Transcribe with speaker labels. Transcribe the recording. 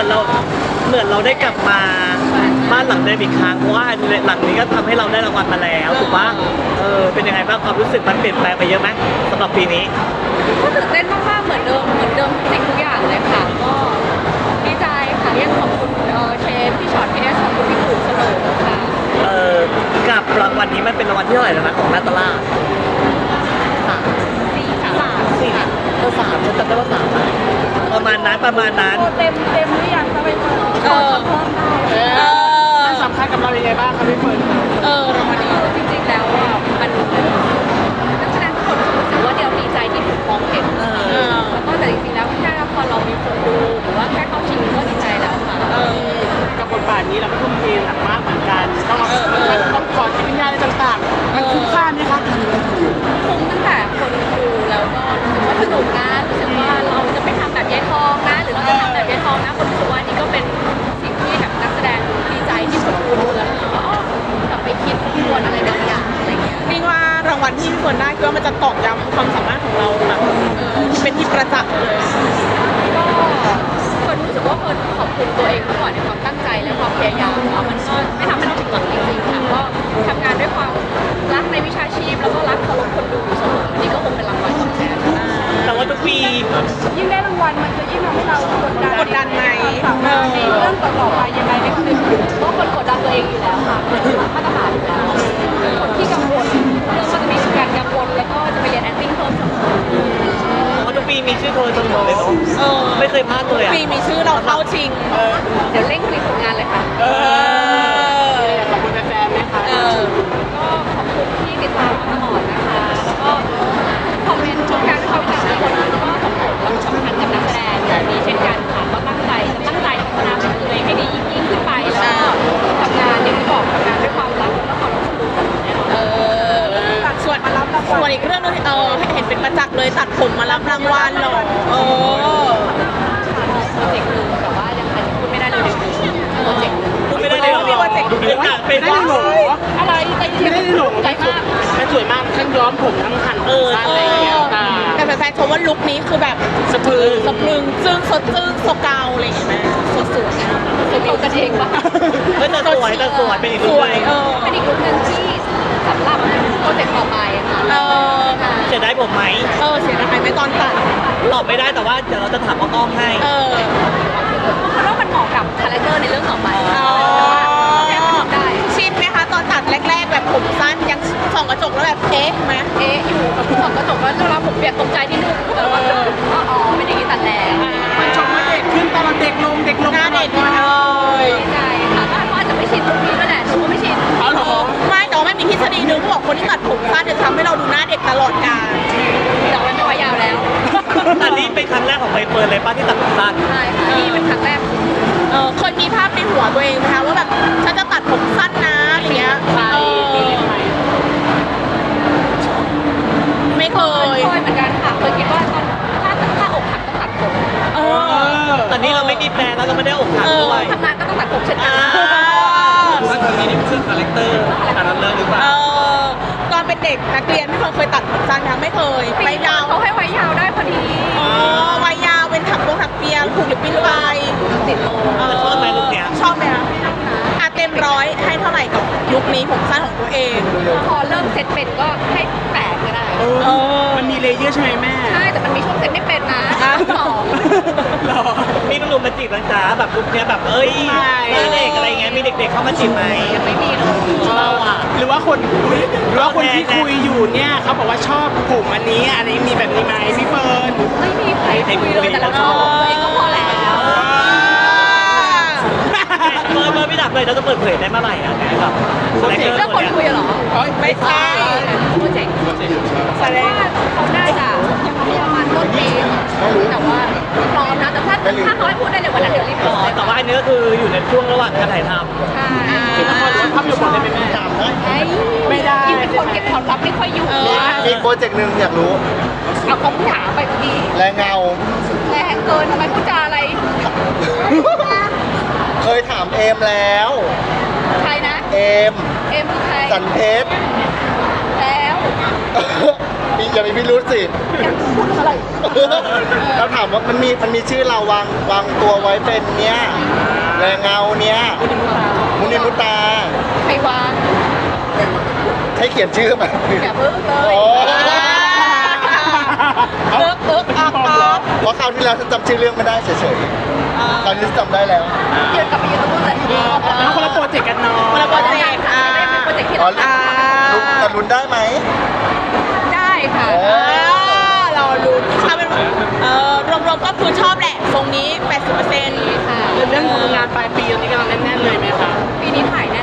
Speaker 1: เหมือนเราได้กลับมาบ้านหลังเดิมอีกครั้งเพราะว่าหลังนี้ก็ทำให้เราได้รางวัลมาแล้วถูกปะเป็นยังไงบ้างความรู้สึกมันเปลี่ยนแปลงไปเยอะไหมสำหรับปีนี้
Speaker 2: ก็ตื่นเต้นมากๆเหมือนเดิมทุกสิ่งทุกอย่างเลยค่ะก็ดีใจค่ะยังขอบคุณเชฟพี่ช็อตพี่เอสขอบคุณพี่ปู่เสมอค่ะ
Speaker 1: กับรางวัลนี้มันเป็นรางวัลที่เท่าไหร่แล้วนะของนาตาลาสี่สามฉันจำได้ว่าสามประมาณนั้น
Speaker 2: เต็มหรือยังคะไปเฟิร์น
Speaker 3: มันสำคัญกับเราอย่างไรบ้างครับพี่เฟิร์น
Speaker 2: รางวัลนี้จริงๆแล้วอ่ะมันนักแสดงทุกคนรู้สึกว่าเดี๋ยวดีใจที่ถูกมองเห็นแล้วก็แต่จริงๆแล้วแค่พอเรามีคนดูหรือว่าแค่เข้าชิงก็ดีใจแล้วค่ะ
Speaker 3: กับบทบาทนี้เราก็ทุ่มเทหนักมากเหมือนกันต้องกอดจิตวิญญาณอะไรต่างๆมันคุ้มค่าไหมคะ
Speaker 2: คุ้มตั้งแต่คนดูแล้วก็รู้สึกว่าสนุกนะรู้สึกว่าเราจะไม่ทำแบบยายทองนะหรือเราจะทำแบบยายทองนะคนรู้สึกว่านี่ก็เป็นสิ่งที่แบบนักแสดงดีใจที่คนดูแล้วรู้สึกว่ากลับไปคิดทบทวนอะไรบางอย่างอะไรเงี้ย
Speaker 3: นี่ว่ารางวัลที่พี่เฟิร์นได้คือว่ามันจะตอกย้ำความสามารถของเราแบบเป็นที่ประจักษ์เลย
Speaker 2: ก็คนรู้สึกว่าคนขอบคุณตัวเองมากกว่าในความตั้งใจและความพยายามแล้วมันก็ไม่ทำให้เราผิดหวังจริงๆค่ะก็ทำงานด้วยความรักในวิชาชีพแล้วก็รักเคารพคนดูเสมอนี่ก็คงเป็นรางวัลตอบแทน
Speaker 1: แต่ว่าทุกปี
Speaker 2: ยิ่งได้รางวัลมันจะยิ่งทำให้เรา
Speaker 3: กดดันไหม
Speaker 2: ในเรื่องต่อไปยังไงนี่คือเพราะคนกดดันตัวเองอยู่แล้วค่ะมาตรฐานอยู่แล้วคนที่กังวลเรื่องก็จะมีการกังวลแล้วก็จะไปเรียน acting เพิ่มเสมอ
Speaker 1: ทุกปีมีชื่อโทรเสมอเลยเนาะไม่เคยพลาดเลย
Speaker 3: ปีมีชื่อเราเข้าชิง
Speaker 2: เดี๋ยวเร่งผลิตผลงานเลยค่ะ
Speaker 3: ขอบคุณแฟนๆไหมคะ
Speaker 2: ก็ขอบคุณที่ติดตามมาตลอดนะคะแล้วก็คอมเมนต์ชมการเข้าใจทุกคนก็ส่งผลและสำคัญกับนักแสดงอย่างนี้เช่นกันค่ะก็ตั้งใจพัฒนาเป็นตัวเองให้ดียิ่งขึ้นไปแล้วก็ทำงานอย่างที่บอกทำงานด้วยความรักและความรู้สึกแน่นอน
Speaker 3: ส่วนอีกเรื่องนึงเห็นเป็นประจักษ์เลยตัดผมมารับรางวัลหรอ
Speaker 2: โปรเจกต์หนึ่งแต่ว่ายังอาจจะพูดไม่ได้เลยโปรเจกต์
Speaker 1: พูดไม่ได้เลย
Speaker 3: มีโปรเจกต์
Speaker 1: เป็น
Speaker 3: ได้หนู
Speaker 2: อะไร
Speaker 3: ไม่ได้หนู
Speaker 2: ใจมาก
Speaker 3: มันสวยมากทั้งย้อมผมทั้งหั่นสั้นอะไรอย่างเงี้ยแต่แฟนๆชมว่าลุคนี้คือแบบสะพรึงซึ่งสดซึ้งโซเกาอะไรอย่างเงี้ย
Speaker 2: สวยๆเขากันเองปะ
Speaker 1: แต่สวยเป็นอีกลุค
Speaker 2: เป็นอีกลุคหนึ่งที่สำหรับโปรเจกต์ต่อไปค่ะ
Speaker 1: เสียดายผมไหม
Speaker 3: เสียดายไหมตอนตัด
Speaker 1: ตอบไม่ได้แต่ว่าเดี๋ยวเราจะถามว่าอ้อมให้
Speaker 2: เพราะว่ามันเหมาะกับคาแรคเตอร์ในเรื่องต่อไปได้
Speaker 3: ชินไหมคะตอนตัดแรกๆแบบผมสั้นยังส่องกระจกแล้วแบบไหม
Speaker 2: อยู่ส่องกระจกแล้วเวลาผมเปียกตกใจนิดนึงแต่ว่าไม่ได้กินตัดแรง
Speaker 3: มันชมว่าเด็กขึ้นตอนเด็กลงหน้าเด็ก
Speaker 2: ใช่ค่ะก็อาจจะไม่ชินตรงนี้นั่นแหละหนูก็ไม่ชิน
Speaker 3: ไม่แต่ว่ามันมีทฤษฎีนึงเขาบอกคนที่ตัดผมสั้นจะทำให้เราดูหน้าเด็กตลอดกาล
Speaker 2: แต่ว่าไม่ว่ายาวแล้ว
Speaker 1: อันนี้เป็นครั้งแรกของใบเฟิร์นเลยป้าที่ตัดผมสั้น
Speaker 2: ใช่ค่ะนี่เป็นครั้งแรก
Speaker 3: เคยมีภาพในหัวตัวเองไหมคะว่าแบบฉันจะตัดผมสั้นนะอะไรเงี้ยไม่เคย
Speaker 2: เหมือนกันค่ะเคยคิดว่าตอนถ้าอกหักต้องตัดผม
Speaker 1: ตอนนี้เราไม่มีแฟนแล้วก็ไม่ได้อกหักด้วย
Speaker 2: ทำงานก็ต้องตัดผมเช่นกัน
Speaker 1: ว่าตอนนี้นี่คือคาแรคเตอร์แต่ละเรื่องหรือเปล่า
Speaker 3: ตอนเป็นเด็กนักเรียนไม่เคยตัดผมสั้นทั้งไม่เคย
Speaker 2: ไว้ยาวเขาให้ไว้ยาวได้พอดี
Speaker 3: ไว้ยาวเป็นถักเปียผูกหรือปิ้นไป
Speaker 2: ติดโล
Speaker 1: ชอบไหมลุคเนี้ย
Speaker 3: ชอบไหมคะเต็ม100ให้เท่าไหร่กับลุคนี้ผมสั้นของตัวเอง
Speaker 2: พอเริ่มเซ็ตเป็นก็ให้8ก็ได้
Speaker 3: มันมีเลเยอร์ใช่ไหมแม่
Speaker 2: ใช่แต่มันมีช่วงเซ็ตไม่เป็นนะ
Speaker 1: มีหนุ่มมาจีบนะจ๊ะแบบลุคเนี้ยแบบเด็กอะไรเงี้ยมีเด็กๆเข้ามาจีบไหม
Speaker 2: ยังไม่มีเลย
Speaker 3: หรือว่าคนที่คุยอยู่เนี่ยเขาบอกว่าชอบผมอันนี้มีแบบนี้ไหมพี่เฟิร์น
Speaker 2: ไม่มีใครคุยเลยแต่เราชอบตัวเองก็พอแล้ว
Speaker 1: เมื่อพี่ดับเลยเราจะเปิดเผยได้เมื่อไหร่อ่ะแบบ
Speaker 2: เรื่องคนคุยเหรอ
Speaker 3: ไม่ใช่
Speaker 2: โปรเจกต์แสดงเขาได้จ้ะประมาณต้นปีแต่ว่าพร้อมนะแต่ถ้าเขาให้พูดได้ในวันนั้นเดี๋ยวรีบร้อย
Speaker 1: แต่ว่าอันนี้ก็คืออยู่ในช่วงระหว่างการถ่ายทำ
Speaker 2: ใช่
Speaker 3: ภาพยนตร์ได้ไหมแม่ไม่ได้
Speaker 2: ยิ่งเป็นคนเก็บความลับไม่ค่อยอยู่
Speaker 4: มีโปรเจกต์หนึ่งอยากรู้
Speaker 2: เอาคำถามไปดี
Speaker 4: แรงเงา
Speaker 2: แรงเกินทำไมพูดจาอะไร
Speaker 4: เคยถามเอมแล้ว
Speaker 2: ใครนะ
Speaker 4: เอม
Speaker 2: คือใคร
Speaker 4: สันเพชร
Speaker 2: แล้ว
Speaker 4: อย่ามีพิรุธสิพูดอะไรเราถามว่ามันมีชื่อเราวางตัวไว้เป็นเนี้ยแรงเงาเนี้ยมุนิมุตา
Speaker 2: ใครวาง
Speaker 4: ให้เขียนชื่อมา
Speaker 2: อย่าเพิ่งเล
Speaker 4: โอ้
Speaker 2: ยเอิ๊กอัก
Speaker 4: เพราะคราวที่แล้วฉันจำชื่อเรื่องไม่ได้เฉยๆคราวนี้จำได้แล้ว
Speaker 2: ยืนกลับไปยืนตรงนู้นเลย
Speaker 3: แล้วคนละโปรเจกต์กันเนาะ
Speaker 2: คนละโปรเจกต์เป็นโปรเจกต์ที่เราท
Speaker 4: แต่ลุ้นได้ไหม
Speaker 2: ำได้ค่ะ
Speaker 3: เราลุ้นถ้าเป็นรวมๆก็คือชอบแหละทรงนี้ 80%
Speaker 2: ค่ะ
Speaker 3: เรื่องของงานปลายปีตอนนี้กำลังแน่นๆเลยไหมคะ
Speaker 2: ปีนี้ถ่ายแน่